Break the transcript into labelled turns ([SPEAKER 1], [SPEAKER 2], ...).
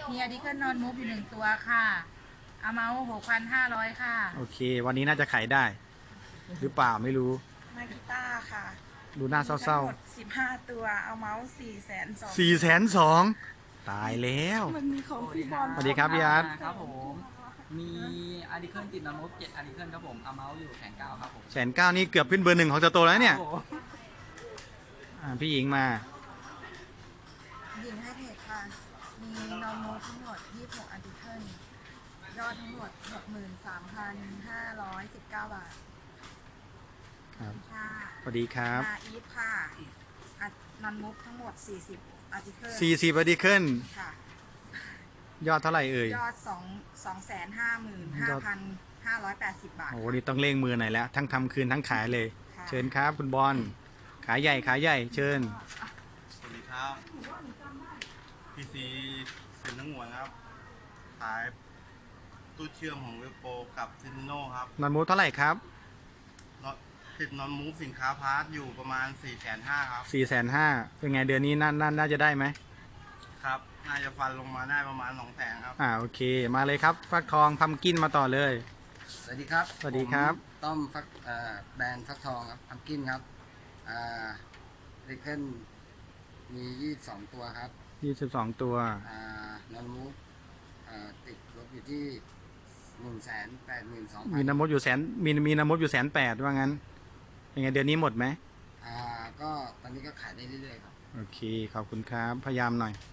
[SPEAKER 1] มีอะดิเคิลนอนมูฟอยู่1 ตัวค่ะเอาเมาส์6,500ค่ะ
[SPEAKER 2] โอเค วันนี้น่าจะขายได้ หรือเปล่าไม่รู้
[SPEAKER 3] มากีตาร์ค่ะ
[SPEAKER 2] ดูหน้าเศร้า
[SPEAKER 3] ทั้งหมด15 ตัว เอาเมาส์420,000
[SPEAKER 2] ๆ420,000ตายแล้ว
[SPEAKER 3] มันมีของพี่บอล
[SPEAKER 2] สวัสดีครับพี่อาร์ต
[SPEAKER 4] ครับผมมีอาร์ติเคิลติดนอนมุก7อาร์ติเคิลครับผมเอาเมาส์อยู่1,900ครับผม
[SPEAKER 2] 1,900,000นี่เกือบขึ้นเบอร์ 1ของสโตร์แล้วเนี่ย
[SPEAKER 4] ครับผม
[SPEAKER 2] พี่หญิงมา
[SPEAKER 3] หญิงให้เพจค่ะ มีนอร์มูฟทั้งหมด26อาร์ติเคิลยอดทั้งหมด 63,519 บาท
[SPEAKER 2] ครับ
[SPEAKER 3] ค่ะ
[SPEAKER 2] สวัสดีครับ
[SPEAKER 3] นาอีฟค่ะนอนมูฟทั้งหมด40อาร์ติเคิล
[SPEAKER 2] 40 อาร์ติเคิล
[SPEAKER 3] ค่ะ
[SPEAKER 2] ยอดเท่าไหร่เอ่ย
[SPEAKER 3] ยอด255,580 บาท
[SPEAKER 2] โอ้โหนี่ต้องเร่งมือหน่อยแล้ว ทั้งทำคืนทั้งขายเลย
[SPEAKER 3] ค่ะ
[SPEAKER 2] เชิญครับคุณบอล ขายใหญ่ขายใหญ่ เชิญ
[SPEAKER 5] สวัสดีครับพีซีเซ็นทั้งหมดครับขายตู้เชื่อมของเวโปกับซินโนครับ
[SPEAKER 2] นอนมูเท่าไหร่ครับ
[SPEAKER 5] ติดนอนมูฟสินค้าพาร์ทอยู่ประมาณ 450,000ครับ
[SPEAKER 2] 450,000เป็นไงเดือนนี้น่าจะได้ไหม
[SPEAKER 5] ครับ น่าจะฟันลงมาได้ประมาณ200,000ครับ
[SPEAKER 2] โอเค มาเลยครับ ฟักทองพัมกินมาต่อเลย
[SPEAKER 4] สวัสดีครับ
[SPEAKER 2] สวัสดีครับ
[SPEAKER 4] ผมต้อมฟักแบรนด์ฟักทองครับพัมกินครับอาร์ติเคิลมี22ตัวครับ
[SPEAKER 2] 22 ตัว
[SPEAKER 4] นอนมุกติดลบอยู่ที่182,000
[SPEAKER 2] มีน้ำมดอยู่มีน้ำมดอยู่180,000ว่างั้นยังไงเดือนนี้หมดไหม
[SPEAKER 4] ก็ตอนนี้ก็ขายได้เรื่อยๆครับ
[SPEAKER 2] โอเค ขอบคุณครับ พยายามหน่อย